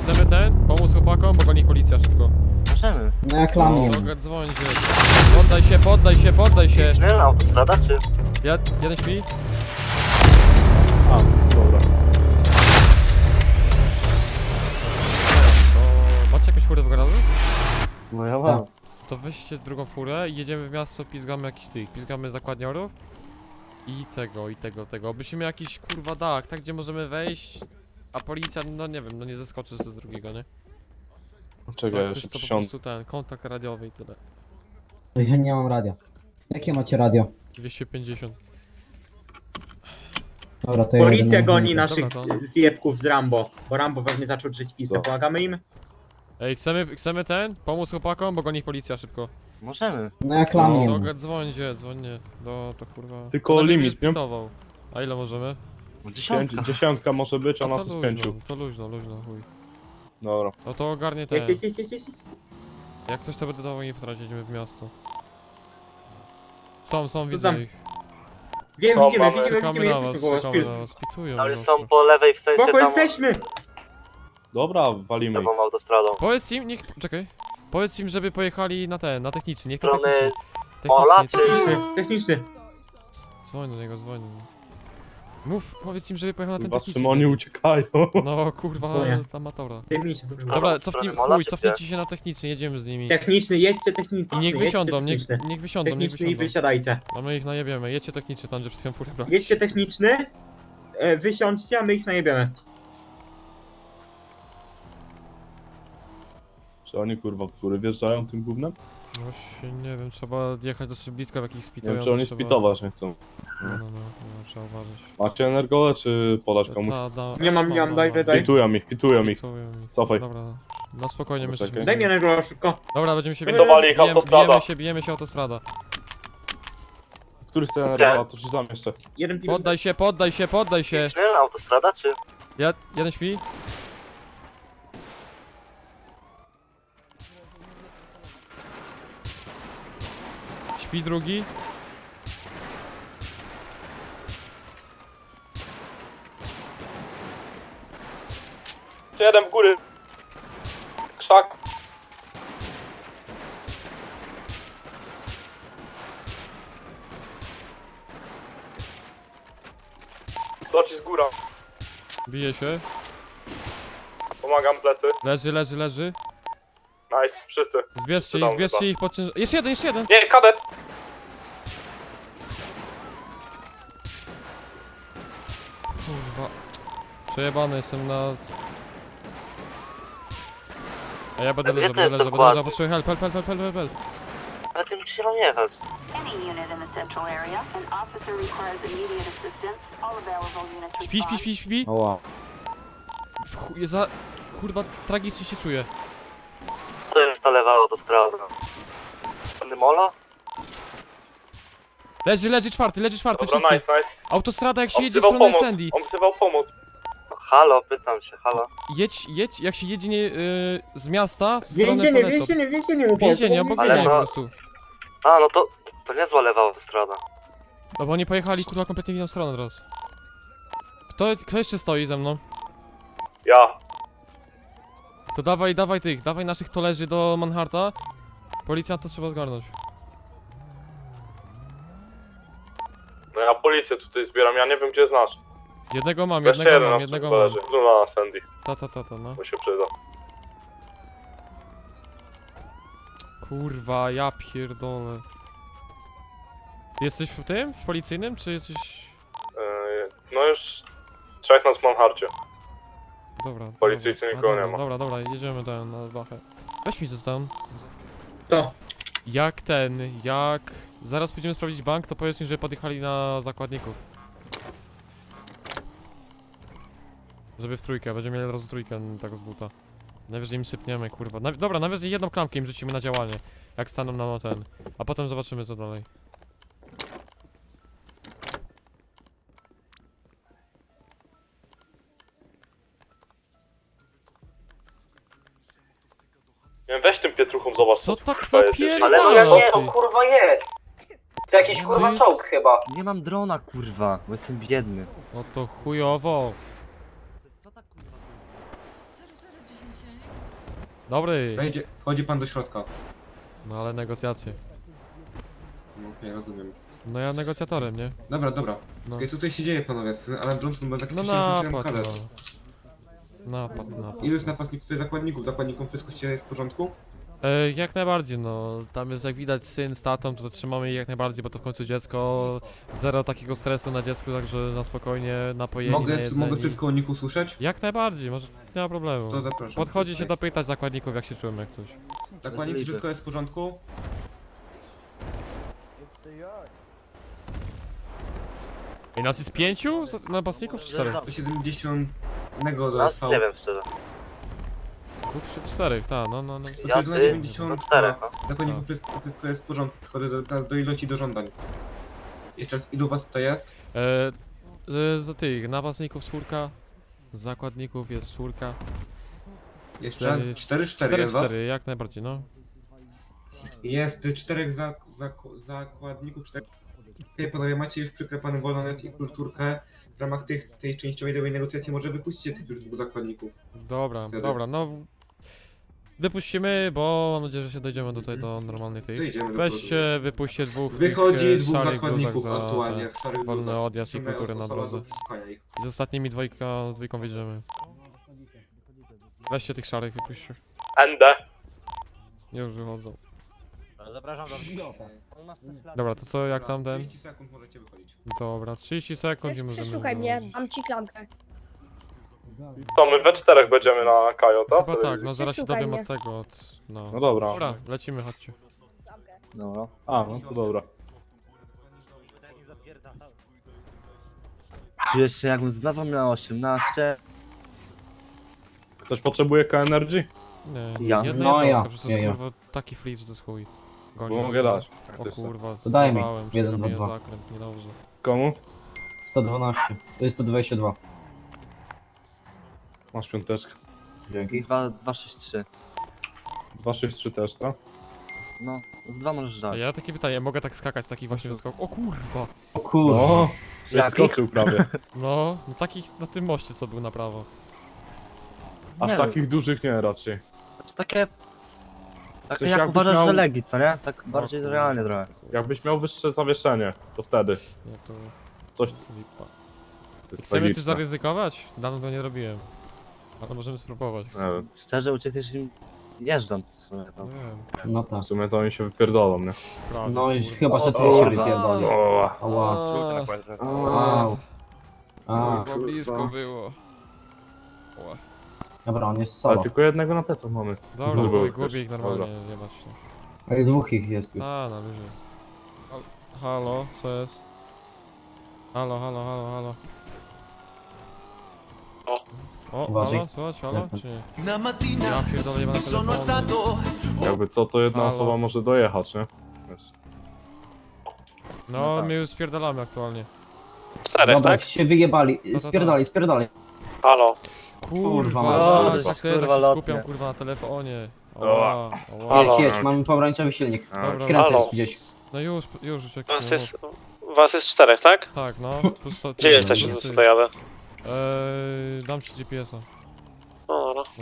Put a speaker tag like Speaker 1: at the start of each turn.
Speaker 1: chcemy pomóc chłopakom, bo goni policja szybko.
Speaker 2: Możemy.
Speaker 3: No jak lamię.
Speaker 1: Dzwoń się. Poddaj się, poddaj się, poddaj się.
Speaker 2: Czy autostrada, czy?
Speaker 1: Jeden śpi?
Speaker 4: A, dobra.
Speaker 1: To macie jakąś furę w garażu?
Speaker 4: No ja mam.
Speaker 1: To weźcie drugą furę i jedziemy w miasto, pizgamy pizgamy zakładniorów. I tego. Byśmy jakiś kurwa dach, tak gdzie możemy wejść, a policja, no nie wiem, no nie zeskoczy z drugiego, nie?
Speaker 4: Czekaj,
Speaker 1: Jak coś,
Speaker 4: jeszcze
Speaker 1: to po
Speaker 4: przysiądę.
Speaker 1: prostu kontakt radiowy i tyle.
Speaker 3: Ja nie mam radia. Jakie macie radio?
Speaker 1: 250.
Speaker 3: Dobra, to ja
Speaker 5: Policja
Speaker 3: jadę na
Speaker 5: goni
Speaker 3: chwilkę.
Speaker 5: naszych
Speaker 1: Dobra, to-
Speaker 5: zjebków z Rambo, bo Rambo pewnie zaczął drzeć pizdę.
Speaker 4: Co?
Speaker 5: Pomagamy im?
Speaker 1: Ej, chcemy pomóc chłopakom, bo goni policja szybko.
Speaker 2: Możemy.
Speaker 3: No jak lamię.
Speaker 1: To dzwońcie, to kurwa.
Speaker 4: Tylko
Speaker 1: To
Speaker 4: limit,
Speaker 1: nie
Speaker 4: nie?
Speaker 1: spitował. A ile możemy?
Speaker 2: No, dziesiątka.
Speaker 4: Dziesiątka może być, a
Speaker 1: No
Speaker 4: nas jest pięciu.
Speaker 1: To luźno, chuj.
Speaker 4: Dobra.
Speaker 1: No to ogarnie
Speaker 5: Jedź.
Speaker 1: Jak coś to będę dawał im wtrać, jedziemy w miasto. Są,
Speaker 5: Co
Speaker 1: widzę
Speaker 5: tam?
Speaker 1: ich.
Speaker 5: Wiem,
Speaker 4: Co
Speaker 5: widzimy,
Speaker 4: mamy?
Speaker 1: Czekamy na
Speaker 5: jesteśmy
Speaker 1: was,
Speaker 5: koło was.
Speaker 1: czekamy na was. Pitują
Speaker 2: Ale
Speaker 1: nas.
Speaker 2: są po lewej w sensie
Speaker 5: Spoko,
Speaker 2: tam
Speaker 5: jesteśmy!
Speaker 4: Dobra, walimy ich.
Speaker 2: lewą autostradą.
Speaker 1: Powiedz im, czekaj. Powiedz im, żeby pojechali na techniczny, niech na
Speaker 2: Strony
Speaker 1: techniczny.
Speaker 2: Ola,
Speaker 1: Techniczny,
Speaker 2: czy-
Speaker 5: Techniczny.
Speaker 1: Dzwoń do niego, dzwoń. Mów, powiedz im, żeby pojechał na ten
Speaker 4: Chyba
Speaker 1: techniczny.
Speaker 4: Szymoni uciekają.
Speaker 1: No kurwa,
Speaker 5: Dzwonię.
Speaker 1: amatora.
Speaker 5: Techniczny.
Speaker 1: Dobra, cofnij,
Speaker 2: Mola,
Speaker 1: chuj,
Speaker 2: czy
Speaker 1: cofnijcie się na techniczny, jedziemy z nimi.
Speaker 5: Techniczny, jedźcie techniczny.
Speaker 1: I niech
Speaker 5: jedźcie
Speaker 1: wysiądą,
Speaker 5: techniczny.
Speaker 1: niech wysiądą,
Speaker 5: Techniczny i
Speaker 1: wysiądą.
Speaker 5: wysiadajcie.
Speaker 1: A my ich najebiemy, jedźcie techniczny, tam gdzie przed chwilą furę brać.
Speaker 5: Jedźcie techniczny, wysiądźcie, a my ich najebiemy.
Speaker 4: Czy oni kurwa w góry wjeżdżają tym gównem?
Speaker 1: Właśnie nie wiem, trzeba jechać dosyć blisko w jakichś
Speaker 4: Nie
Speaker 1: spitują.
Speaker 4: wiem, czy oni spitować nie chcą.
Speaker 1: No, trzeba uważać.
Speaker 4: Macie energole, czy podać komuś?
Speaker 5: Nie mam, daj.
Speaker 4: Pitują ich.
Speaker 1: Pitują ich.
Speaker 4: Cofaj.
Speaker 1: Dobra, no spokojnie, my
Speaker 4: Poczekaj.
Speaker 1: jesteśmy.
Speaker 5: Daj mi energo szybko.
Speaker 1: Dobra, będziemy się
Speaker 4: Pitowali ich autostrada.
Speaker 1: bijemy się autostrada.
Speaker 4: Który chce energola, to czytam jeszcze.
Speaker 5: Jeden pilot.
Speaker 1: Poddaj się.
Speaker 2: Czy autostrada, czy?
Speaker 1: Jeden śpi? Śpi drugi.
Speaker 4: Jeden w góry. Krzak. Docisk góra.
Speaker 1: Bije się.
Speaker 4: Pomagam plecy.
Speaker 1: Leży.
Speaker 4: Nice, wszyscy.
Speaker 1: Zbierzcie ich pod ciężar... Jeszcze jeden!
Speaker 4: Nie, kadet!
Speaker 1: Kurwa. Przejebany jestem na... A ja będę
Speaker 2: Gdzie
Speaker 1: leżał,
Speaker 2: to jest
Speaker 1: będę
Speaker 2: dokładnie?
Speaker 1: leżał, potrzebuję help.
Speaker 2: Ale tym się nie jechać.
Speaker 6: Any unit in the central area, an officer requires immediate assistance. All available units respond.
Speaker 1: Śpi.
Speaker 3: Oła.
Speaker 1: Kurwa, tragicznie się czuję.
Speaker 2: To jest ta lewa autostrada. Mola?
Speaker 1: Leży czwarty,
Speaker 4: Dobra,
Speaker 1: wszyscy.
Speaker 4: nice.
Speaker 1: Autostrada jak się
Speaker 4: On
Speaker 1: jedzie w
Speaker 4: wzywał
Speaker 1: stronę
Speaker 4: pomoc.
Speaker 1: Sandy.
Speaker 4: On wzywał pomoc.
Speaker 2: Halo, pytam się, halo.
Speaker 1: Jedź, jak się jedzie z miasta w stronę
Speaker 5: Więzienie,
Speaker 1: Poneto.
Speaker 5: więzienie.
Speaker 1: Więzienie, obok
Speaker 2: Ale
Speaker 1: więzienia po
Speaker 2: no-
Speaker 1: prostu.
Speaker 2: A, no to niezła lewa autostrada.
Speaker 1: No bo oni pojechali kurwa kompletnie w inną stronę teraz. Kto jeszcze stoi ze mną?
Speaker 4: Ja.
Speaker 1: To dawaj naszych tolerzy do Manharta. Policjanta trzeba zgarnąć.
Speaker 4: No ja policję tutaj zbieram, ja nie wiem gdzie jest nasz.
Speaker 1: Jednego mam.
Speaker 4: Na Sandy,
Speaker 1: No.
Speaker 4: bo się przyda.
Speaker 1: Kurwa, ja pierdolę. Ty jesteś w tym? W policyjnym, czy jesteś...
Speaker 4: No już trzech nas w Manharcie.
Speaker 1: Dobra.
Speaker 4: Policyjcy nikogo nie ma.
Speaker 1: Dobra, jedziemy na Bachę. Weź mi coś tam.
Speaker 5: To.
Speaker 1: Jak... Zaraz pójdziemy sprawdzić bank, to powiedz mi, że podjechali na zakładników. Żeby w trójkę, będziemy mieli od razu trójkę tak z buta. Najwyżej im sypniemy, kurwa. Dobra, najwyżej jedną klamkę im rzucimy na działanie. Jak staną na ten. A potem zobaczymy co dalej.
Speaker 4: Nie wiem, weź tym pietruchą zobacz.
Speaker 1: Co tak
Speaker 4: kurwa jest,
Speaker 1: napierdala?
Speaker 2: Ale no
Speaker 1: ty?
Speaker 7: kurwa jest! To jakiś
Speaker 1: To
Speaker 7: kurwa
Speaker 1: jest-
Speaker 7: czołg chyba.
Speaker 2: Nie mam drona, kurwa, bo jestem biedny.
Speaker 1: No to chujowo.
Speaker 2: Co tak kurwa?
Speaker 1: Dobry.
Speaker 8: Wchodzi pan do środka.
Speaker 1: No ale negocjacje.
Speaker 8: No, okej, rozumiem.
Speaker 1: No ja negocjatorem, nie?
Speaker 8: Dobra.
Speaker 1: No.
Speaker 8: Okej, co tutaj się dzieje, panowie? Ten Alan Johnson był taki
Speaker 1: No
Speaker 8: 67
Speaker 1: napad,
Speaker 8: kadet.
Speaker 1: no. Napad.
Speaker 8: Ilu jest napastników, zakładników? Zakładnikom wszystko się jest w porządku?
Speaker 1: Jak najbardziej, no. Tam jest jak widać syn z tatą, to trzymamy ich jak najbardziej, bo to w końcu dziecko. Zero takiego stresu na dziecku, także na spokojnie, napojeni,
Speaker 8: Mogę
Speaker 1: najedzeni.
Speaker 8: wszystko o nich usłyszeć?
Speaker 1: Jak najbardziej, może nie ma problemu.
Speaker 8: To zapraszam.
Speaker 1: Podchodzi się dopytać zakładników jak się czują, jak coś.
Speaker 8: Zakładnicy, wszystko jest w porządku?
Speaker 1: I nas jest 5 napastników czy 4?
Speaker 8: 170
Speaker 2: No,
Speaker 8: dostał.
Speaker 2: nie wiem szczerze.
Speaker 1: 2 czy 4, tak, no.
Speaker 8: Potwierdzona
Speaker 2: Ja,
Speaker 8: 90.
Speaker 2: czterech, no.
Speaker 8: Zakładników wszystko jest w porządku. Przychodzę do ilości do żądań. Jeszcze raz, ilu was tutaj jest?
Speaker 1: Z tych napastników 4, zakładników jest 4.
Speaker 8: Jeszcze raz, 4
Speaker 1: 4,
Speaker 8: jest was?
Speaker 1: 4, jak najbardziej, no.
Speaker 8: Jest 4 zakładników, 4. Okej, panowie, macie już przyklepany wolonet i kulturkę. W ramach tej częściowej dowej negocjacji może wypuścicie tych już 2 zakładników.
Speaker 1: Dobra, no. Wypuścimy, bo mam nadzieję, że się dojdziemy do normalnej tej.
Speaker 8: Dojdziemy do
Speaker 1: Weźcie, wypuśćcie 2
Speaker 8: Wychodzi 2
Speaker 1: szarych
Speaker 8: zakładników
Speaker 1: bluzach za
Speaker 8: aktualnie w szarych
Speaker 1: wolny
Speaker 8: bluzach.
Speaker 1: odjazd i
Speaker 8: Chcemy
Speaker 1: kultury na
Speaker 8: osoba do
Speaker 1: drodze.
Speaker 8: przeszukania ich.
Speaker 1: I z ostatnimi dwójką wyjdziemy. Weźcie tych szarych, wypuśćcie.
Speaker 4: ND.
Speaker 1: Już wychodzą.
Speaker 7: Zapraszam do
Speaker 1: Dobra, to co, jak tam ten?
Speaker 8: 30 sekund możecie wychodzić.
Speaker 1: Dobra, 30 sekund i
Speaker 9: Chcesz,
Speaker 1: możemy
Speaker 9: przeszukaj mnie,
Speaker 1: wychodzić.
Speaker 9: dam ci klamkę.
Speaker 4: To my we 4 będziemy na Kajo, tak?
Speaker 1: Chyba tak, no zaraz się
Speaker 9: Przeszukaj
Speaker 1: dowiem
Speaker 9: mnie.
Speaker 1: od tego, od... no.
Speaker 4: No dobra.
Speaker 1: Dobra, lecimy, chodźcie.
Speaker 9: Klamkę.
Speaker 2: Dobra.
Speaker 4: A, no to dobra.
Speaker 2: Czy jeszcze jakbym znowu miał 18?
Speaker 4: Ktoś potrzebuje K-Energy?
Speaker 1: Nie,
Speaker 2: Ja.
Speaker 1: jedna
Speaker 3: No
Speaker 1: jednostka,
Speaker 3: ja,
Speaker 1: przecież to jest
Speaker 3: ja.
Speaker 1: kurwa taki flip, że to jest chuj. Goni
Speaker 4: Bo
Speaker 1: nas.
Speaker 4: mogę dać.
Speaker 1: O kurwa,
Speaker 3: To daj mi.
Speaker 1: zjebałem się,
Speaker 3: 1,
Speaker 1: robię
Speaker 3: 2, 2.
Speaker 1: zakręt, niedobrze.
Speaker 4: Komu?
Speaker 3: 112. To jest 122.
Speaker 4: Masz piąteczkę.
Speaker 3: Dzięki.
Speaker 2: 263.
Speaker 4: 263 też, tak?
Speaker 2: No, z 2 możesz
Speaker 1: A
Speaker 2: dać.
Speaker 1: ja takie pytanie, mogę tak skakać z takich właśnie wyskok? O kurwa!
Speaker 3: O kurwa.
Speaker 4: O, żeś
Speaker 2: Jakich?
Speaker 4: skoczył prawie.
Speaker 1: No takich na tym moście co był na prawo.
Speaker 4: Aż
Speaker 2: Nie
Speaker 4: takich dużych nie raczej.
Speaker 2: To takie...
Speaker 4: W
Speaker 2: Takie
Speaker 4: sensie
Speaker 2: jak
Speaker 4: jakbyś
Speaker 2: uważasz,
Speaker 4: miał-
Speaker 2: że legi, co nie? Tak bardziej realnie trochę.
Speaker 4: Jakbyś miał wyższe zawieszenie, to wtedy.
Speaker 1: Nie, to
Speaker 4: Coś
Speaker 1: lipa.
Speaker 4: to jest
Speaker 1: Chcemy coś
Speaker 4: tragiczne.
Speaker 1: zaryzykować? Dawno to nie robiłem. Ale możemy spróbować.
Speaker 4: Nie wiem.
Speaker 2: Szczerze uciekniesz im jeżdżąc w sumie
Speaker 1: Nie
Speaker 2: tam.
Speaker 1: wiem,
Speaker 3: No tak.
Speaker 4: W sumie to oni się wypierdolą, nie?
Speaker 1: prawie.
Speaker 3: No i
Speaker 1: kurwa.
Speaker 3: chyba, że ty
Speaker 2: O,
Speaker 3: się
Speaker 2: kurwa.
Speaker 3: wypierdoli.
Speaker 4: O,
Speaker 3: Ała.
Speaker 1: A,
Speaker 3: Wow. A,
Speaker 1: kurwa, blisko było. Ła.
Speaker 3: dobra, on jest
Speaker 4: ale
Speaker 3: solo.
Speaker 4: tylko jednego na plecach mamy.
Speaker 1: Dobra,
Speaker 4: Dwóch
Speaker 1: gubię
Speaker 4: też.
Speaker 1: ich normalnie, jebać się.
Speaker 3: Ale 2 ich jest już.
Speaker 1: A, na luzie. Halo, co jest? Halo. O,
Speaker 3: Uważaj.
Speaker 1: halo, słuchać, halo,
Speaker 3: Jak-
Speaker 1: czy nie? Ja pierdolę, jebana telefonu.
Speaker 4: Jakby co, to jedna
Speaker 1: Halo.
Speaker 4: osoba może dojechać, nie? Wiesz.
Speaker 1: No, my już spierdalamy aktualnie.
Speaker 3: Dobra, się wyjebali.
Speaker 1: to
Speaker 3: Spierdali.
Speaker 4: Halo.
Speaker 3: Kurwa,
Speaker 1: Kurwa,
Speaker 3: mać.
Speaker 1: tak to jest,
Speaker 2: Kurwa,
Speaker 1: jak się
Speaker 2: lotnie.
Speaker 1: skupiam kurwa na telefonie.
Speaker 4: Dobra.
Speaker 3: Jedź, mamy pomarańczowy silnik.
Speaker 4: A,
Speaker 3: Skręcaj
Speaker 4: halo.
Speaker 3: gdzieś.
Speaker 1: No już uciekłem.
Speaker 10: Was jest 4, tak?
Speaker 1: Tak, no. Plus to,
Speaker 10: Gdzie jesteście,
Speaker 1: plus
Speaker 10: to
Speaker 1: ty.
Speaker 10: dojadę?
Speaker 1: Dam ci GPS-a.
Speaker 10: No dobra.